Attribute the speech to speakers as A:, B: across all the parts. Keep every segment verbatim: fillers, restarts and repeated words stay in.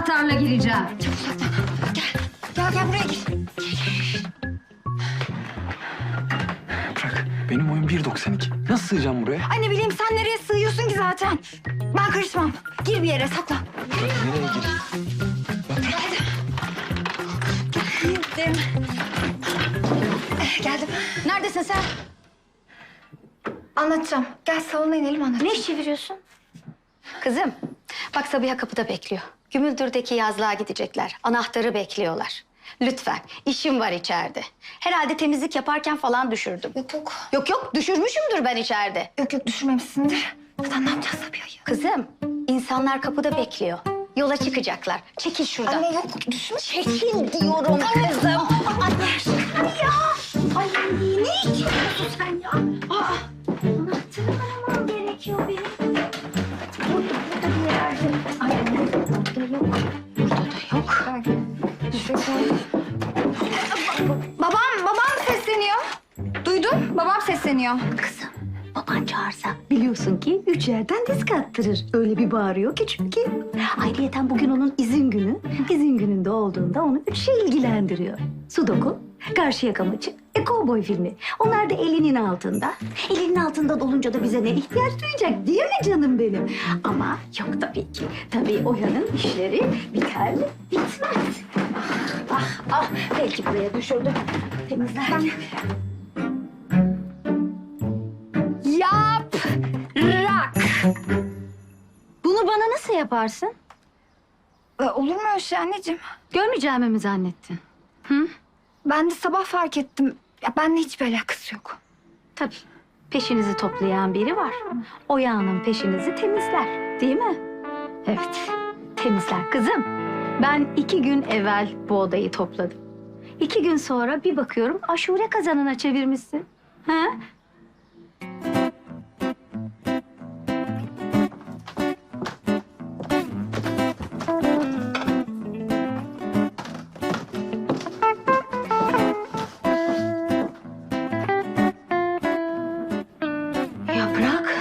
A: anahtarla gireceğim.
B: Çok uzaktan. Gel. Gel gel buraya gir.
C: Bırak. Benim boyum bir doksan iki. Nasıl sığacağım buraya?
B: Ay ne bileyim sen nereye sığıyorsun ki zaten? Ben karışmam. Gir bir yere saklan.
C: Bırak, nereye gireyim?
B: Hadi. Girdim. Eh, geldim.
A: Neredesin sen?
B: Anlatacağım. Gel salona inelim anlatacağım.
A: Ne iş çeviriyorsun? Kızım, bak Sabiha kapıda bekliyor. Gümüldür'deki yazlığa gidecekler. Anahtarı bekliyorlar. Lütfen, işim var içeride. Herhalde temizlik yaparken falan düşürdüm.
B: Yok yok.
A: Yok yok, düşürmüşümdür ben içeride.
B: Yok yok düşürmemişsindir. Zaten ne yapacağız Sabiha'yı?
A: Kızım, insanlar kapıda bekliyor. Yola çıkacaklar. Çekil şuradan.
B: Anne yok düşme.
A: Çekil diyorum kızım.
B: Anne ya. Ay ne içiyorsun sen ya? Aa.
A: Anahtarımı aramam gerekiyor benim. Burada, burada bir yerde. Ay, burada yok. Burada da yok.
B: Babam, babam sesleniyor. Duydun? Babam sesleniyor.
A: Kızım, baban çağırsa biliyorsun ki üç yerden disk attırır. Öyle bir bağırıyor ki çünkü. Ayrıyeten bugün onun izin günü. İzin gününde olduğunda onu üç şey ilgilendiriyor. Sudoku, Karşıyaka maçı, e, kovboy filmi. Onlar da elinin altında. Elinin altında olunca da bize ne ihtiyaç duyacak değil mi canım benim? Ama yok tabii ki. Tabii Oya'nın işleri biter mi? Bitmez. Ah, ah, ah. Belki buraya düşürdüm. Temizlerken. Yaprak. Bunu bana nasıl yaparsın?
B: Ee, olur mu öyle şey anneciğim?
A: Görmeyeceğimi mi zannettin? Hı?
B: Ben de sabah fark ettim. Ya benimle hiçbir alakası yok.
A: Tabii. Peşinizi toplayan biri var. O yağının peşinizi temizler. Değil mi? Evet. Temizler. Kızım, ben iki gün evvel bu odayı topladım. İki gün sonra bir bakıyorum aşure kazanına çevirmişsin. Ha? Yaprak.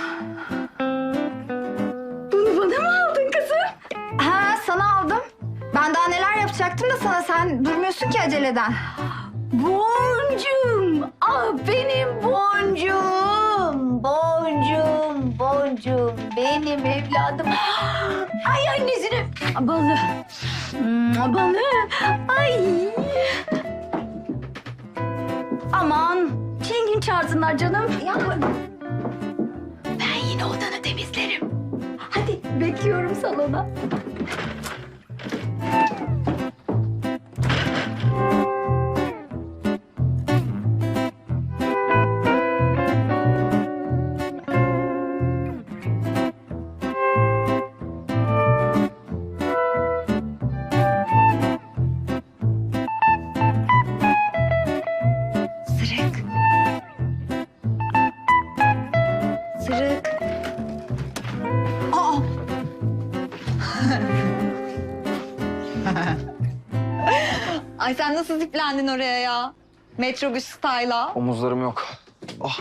A: Bunu bana mı aldın kızım?
B: Ha sana aldım. Ben daha neler yapacaktım da sana sen durmuyorsun ki aceleden.
A: Boncuğum. Ah benim boncuğum. Boncuğum, boncuğum. Benim evladım. Ay annesine. Balı. Hmm, Balı. Ay. Aman. Çilingin çağırsınlar canım.
B: Ya
A: Ben yine odanı temizlerim. Hadi bekliyorum salona.
B: Sırık. Sırık. Aa. Ay sen nasıl ziplendin oraya ya? Metrobüs style'a.
C: Omuzlarım yok. Ah.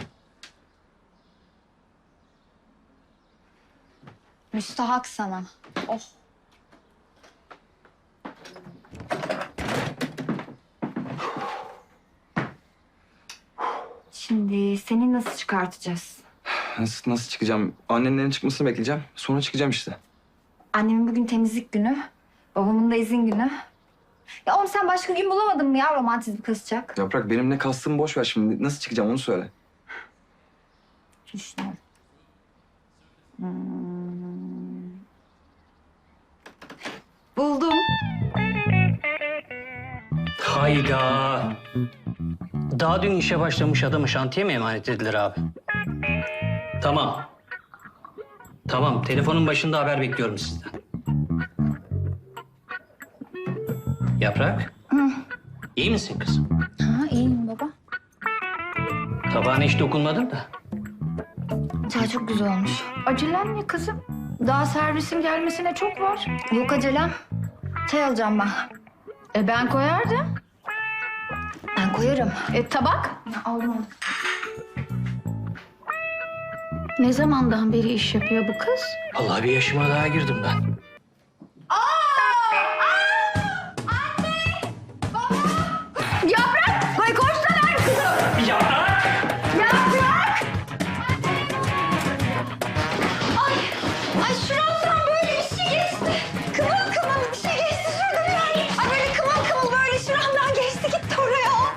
B: Müstahak sana. Oh. Şimdi seni nasıl çıkartacağız?
C: Nasıl, nasıl çıkacağım? Annenlerin çıkmasını bekleyeceğim. Sonra çıkacağım işte.
B: Annemin bugün temizlik günü. Babamın da izin günü. Ya oğlum sen başka gün bulamadın mı ya romantizm kızacak?
C: Yaprak benim ne kastımı boş ver şimdi. Nasıl çıkacağım onu söyle.
B: Düşünüyorum. Hmm. Buldum.
D: Hayda. Daha dün işe başlamış adamı şantiye mi emanet edilir abi? Tamam. Tamam, telefonun başında haber bekliyorum sizden. Yaprak.
B: Hı.
D: İyi misin kızım?
B: Ha iyiyim baba.
D: Tabağına hiç dokunmadın da.
B: Çay çok güzel olmuş.
A: Acelem ne kızım? Daha servisin gelmesine çok var.
B: Yok acelem. Çay alacağım ben.
A: E ben koyardım.
B: Ben koyarım.
A: E tabak?
B: Aldım onu.
A: Ne zamandan beri iş yapıyor bu kız?
D: Vallahi bir yaşıma daha girdim ben.
B: Aa!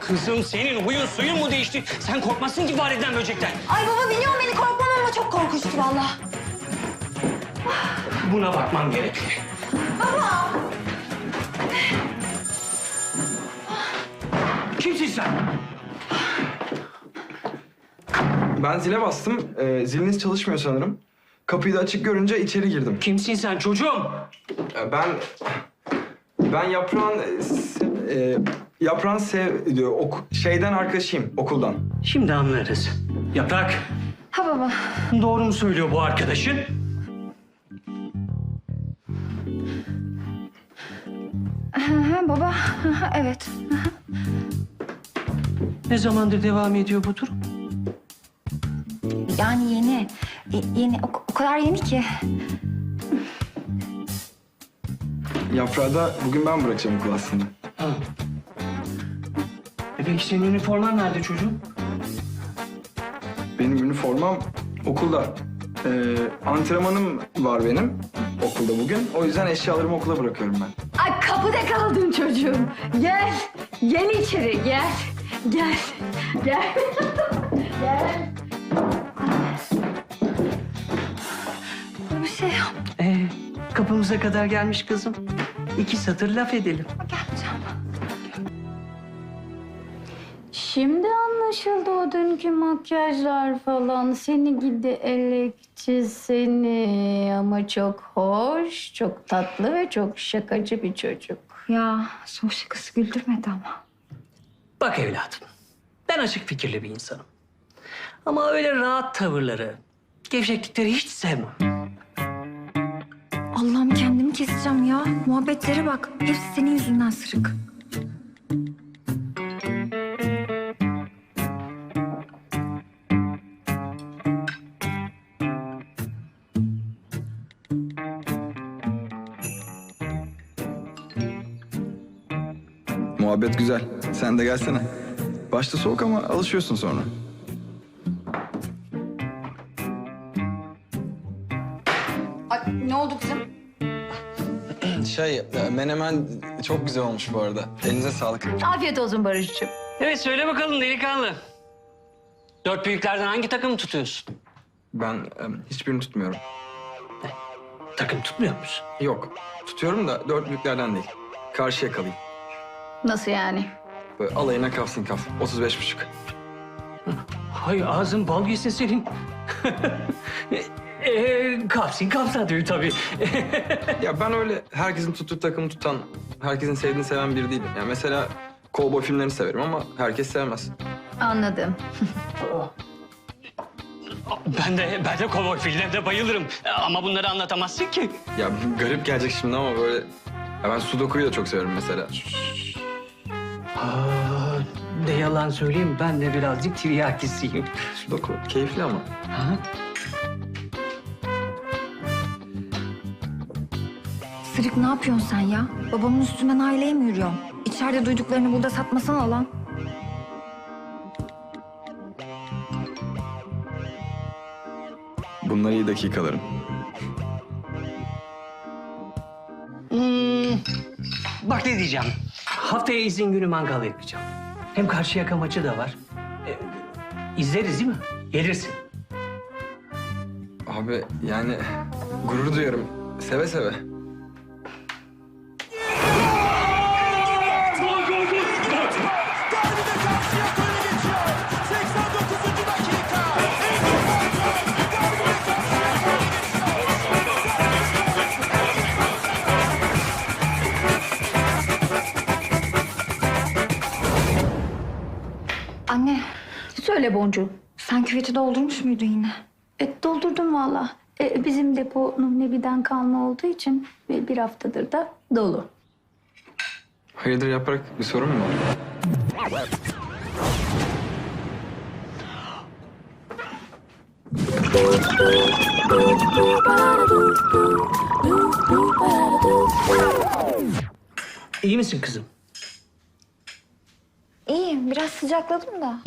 D: Kızım senin huyun suyun mu değişti? Sen korkmasın ki fareden böcekten.
B: Ay baba biliyorum beni korkmam ama çok korkunçtu vallahi.
D: Buna bakmam gerek.
B: Baba!
D: Kimsin sen?
C: Ben zile bastım. Ee, ziliniz çalışmıyor sanırım. Kapıyı da açık görünce içeri girdim.
D: Kimsin sen çocuğum?
C: Ee, ben... Ben yaprağın... e, se- e, yaprağın sev... diyor, ok, şeyden arkadaşıyım, okuldan.
D: Şimdi anlarız. Yaprak,
B: Ha baba.
D: doğru mu söylüyor bu arkadaşın?
B: Hı hı baba. Hı hı, evet.
D: Ne zamandır devam ediyor bu durum?
B: Yani yeni. E, yeni. O, o kadar yeni ki.
C: Yaprağı da bugün ben bırakacağım okul aslında.
D: Ha. E peki senin üniforman nerede çocuğum?
C: Benim üniformam okulda. Ee, antrenmanım var benim okulda bugün. O yüzden eşyalarımı okula bırakıyorum ben.
A: Ay kapıda kaldın çocuğum. Gel. Gel içeri gel. Gel. Gel. Gel.
B: Bir şey yok.
D: Ee, kapımıza kadar gelmiş kızım. İki satır laf edelim.
B: Geleceğim.
A: Şimdi anlaşıldı o dünkü makyajlar falan. Seni gidi elekçi seni. Ama çok hoş, çok tatlı ve çok şakacı bir çocuk.
B: Ya son şakası güldürmedi ama.
D: Bak evladım, ben açık fikirli bir insanım. Ama öyle rahat tavırları, gevşeklikleri hiç sevmem.
B: Allah'ım kendimi keseceğim ya. Muhabbetlere bak. Hepsi senin yüzünden sırık.
C: Muhabbet güzel. Sen de gelsene. Başta soğuk ama alışıyorsun sonra.
B: Ay, ne oldu kızım?
C: Şey, menemen çok güzel olmuş bu arada. Elinize sağlık.
A: Afiyet olsun Barış'cığım.
D: Evet, söyle bakalım delikanlı. Dört büyüklerden hangi takımı tutuyorsun?
C: Ben em, hiçbirini tutmuyorum.
D: Takım tutmuyor musun?
C: Yok, tutuyorum da dört büyüklerden değil. Karşıya kalayım.
A: Nasıl yani?
C: Böyle alayına kafsın kaf. otuz beş buçuk.
D: Hay ağzın bal yesin senin. Ee, kapsın kapsa diyor tabii.
C: Ya ben öyle herkesin tuttuğu takımı tutan, herkesin sevdiğini seven biri değilim. Yani mesela kovboy filmlerini severim ama herkes sevmez.
A: Anladım.
D: Ben de ben de kovboy filmlerine bayılırım. Ama bunları anlatamazsın ki.
C: Ya garip gelecek şimdi ama böyle... Ya ben Sudoku'yu da çok severim mesela.
D: Aa, ne yalan söyleyeyim, ben de birazcık tiryakisiyim.
C: Sudoku keyifli ama.
D: Ha?
B: Sırık ne yapıyorsun sen ya? Babamın üstünden aileye mi yürüyorsun? İçeride duyduklarını burada satmasana lan.
C: Bunlar iyi dakikalarım.
D: Hmm, bak ne diyeceğim. Haftaya izin günü mangal yapacağım. Hem Karşıyaka maçı da var. Ee, izleriz değil mi? Gelirsin.
C: Abi yani gurur duyarım. Seve seve.
E: seksen dokuzuncu dakika.
B: Anne
A: Söyle Boncuğum.
B: sen küveti doldurmuş muydun yine?
A: E, doldurdum valla. E, bizim depo Nuhnebi'den kalma olduğu için e, bir haftadır da dolu.
C: Hayırdır Yaprak, bir sorun mu var?
D: İyi misin kızım?
B: İyiyim biraz sıcakladım da.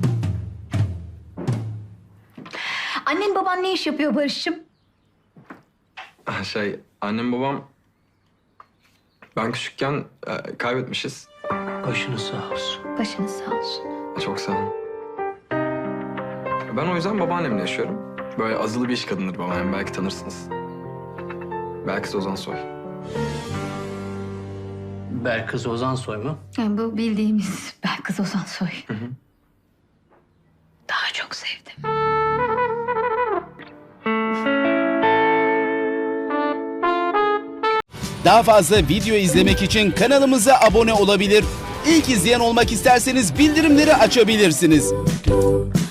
A: Annen baban ne iş yapıyor Barış'cığım?
C: Ah, Şey, annem babam... Ben küçükken e, kaybetmişiz.
D: Başınız sağ olsun.
B: Başınız sağ olsun.
C: Çok sağ olun. Ben o yüzden babaannemle yaşıyorum. Böyle azılı bir iş kadındır babaannem. Belki tanırsınız. Belki Ozan Soy.
D: Berkız Ozansoy mu?
B: Yani bu bildiğimiz Belkıs Ozansoy.
C: Hı hı.
B: Daha çok sevdim.
F: Daha fazla video izlemek için kanalımıza abone olabilir. İlk izleyen olmak isterseniz bildirimleri açabilirsiniz.